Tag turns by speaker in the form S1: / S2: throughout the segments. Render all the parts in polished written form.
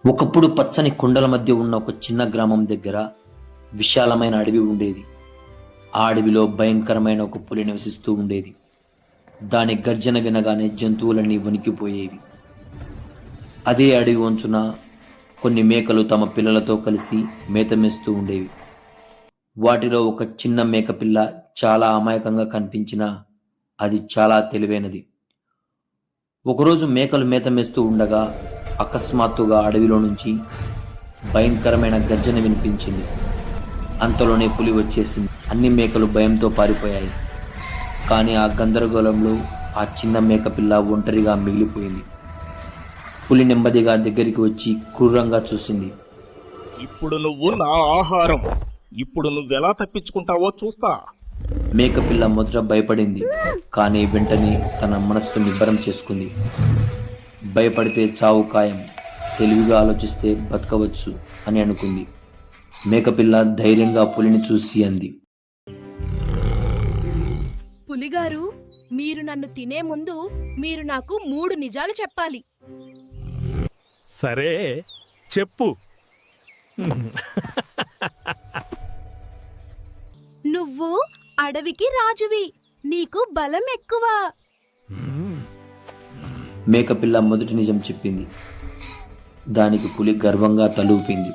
S1: ఒకప్పుడు పచ్చని కొండల మధ్య ఉన్న ఒక చిన్న గ్రామం దగ్గర విశాలమైన అడవి ఉండేది. ఆ అడవిలో భయంకరమైన ఒక పులి నివసిస్తూ ఉండేది. దాని గర్జన వినగానే జంతువులన్నీ వణికిపోయేవి. అదే అడవి వంచున కొన్ని మేకలు తమ పిల్లలతో కలిసి మేత మేస్తూ ఉండేవి. వాటిలో ఒక చిన్న మేకపిల్ల చాలా అమాయకంగా కనిపించినా అది చాలా తెలివైనది. ఒకరోజు మేకలు మేత మేస్తూ ఉండగా అకస్మాత్తుగా అడవిలో నుంచి భయంకరమైన గర్జన వినిపించింది. అంతలోనే పులి వచ్చేసింది. అన్ని మేకలు భయంతో పారిపోయాయి. కానీ ఆ గందరగోళంలో ఆ చిన్న మేకపిల్ల ఒంటరిగా మిగిలిపోయింది. పులి నెమ్మదిగా దగ్గరికి వచ్చి క్రూరంగా చూసింది.
S2: ఇప్పుడు నువ్వు నా ఆహారం. ఇప్పుడు నువ్వెలా తప్పించుకుంటావో చూస్తా.
S1: మేకపిల్ల మొదట భయపడింది, కానీ వెంటనే తన మనస్సు నిబ్బరం చేసుకుంది. భయపడితే చావు ఖాయం, తెలివిగా ఆలోచిస్తే బతకవచ్చు అని అనుకుంది. మేకపిల్ల ధైర్యంగా పులిని చూసి అంది,
S3: పులిగారు, మీరు నన్ను తినే ముందు మీరు నాకు 3 నిజాలు చెప్పాలి.
S2: సరే, చెప్పు.
S3: నువ్వు అడవికి రాజువి, నీకు బలం ఎక్కువ.
S1: మేకపిల్ల మొదటి నిజం చెప్పింది. దానికి పులి గర్వంగా తలూపింది.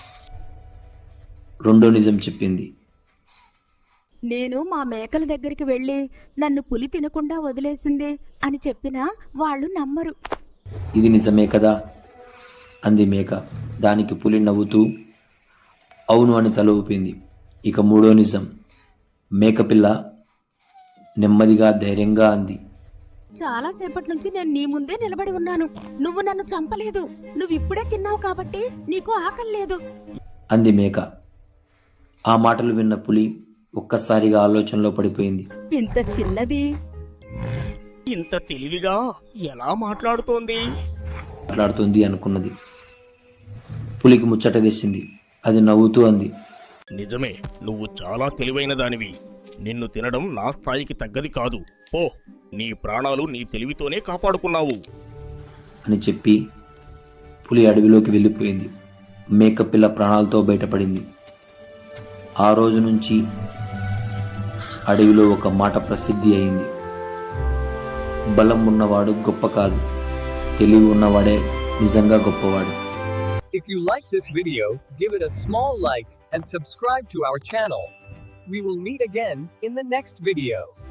S1: రెండో నిజం చెప్పింది.
S3: నేను మా మేకల దగ్గరికి వెళ్ళి నన్ను పులి తినకుండా వదిలేసింది అని చెప్పినా వాళ్ళు నమ్మరు.
S1: ఇది నిజమే కదా అంది మేక. దానికి పులి నవ్వుతూ అవును అని తల ఊపింది. ఇక మూడో నిజం. మేకపిల్ల నెమ్మదిగా ధైర్యంగా అంది,
S3: చాలాసేపటి నుంచి నేను నీ ముందే నిలబడి ఉన్నాను. నువ్వు నన్ను చంపలేదు. నువ్వు ఇప్పుడే తిన్నావు కాబట్టి నీకు ఆకలి లేదు
S1: అంది మేక. ఆ మాటలు విన్న పులి ఒక్కసారిగా ఆలోచనలో పడిపోయింది.
S3: ఇంత చిన్నది
S2: ఇంత తెలివిగా ఎలా మాట్లాడుతోంది
S1: అనుకున్నది. పులికి ముచ్చట వేసింది. అది నవ్వుతూ అంది,
S2: నిజమే, నువ్వు చాలా తెలివైన దానివి. నిన్ను తినడం నా స్థాయికి తగ్గది కాదు. పో, నీ ప్రాణాలు నీ తెలివితోనే కాపాడుకున్నావు
S1: అని చెప్పి పులి అడవిలోకి వెళ్ళిపోయింది. మేకపిల్ల ప్రాణాలతో బయటపడింది. ఆ రోజు నుంచి అడవిలో ఒక మాట ప్రసిద్ధి అయింది. బలం ఉన్నవాడు గొప్ప కాదు, తెలివి ఉన్నవాడే నిజంగా గొప్పవాడు.
S4: If you like this video, give it a small like and subscribe to our channel. We will meet again in the next video.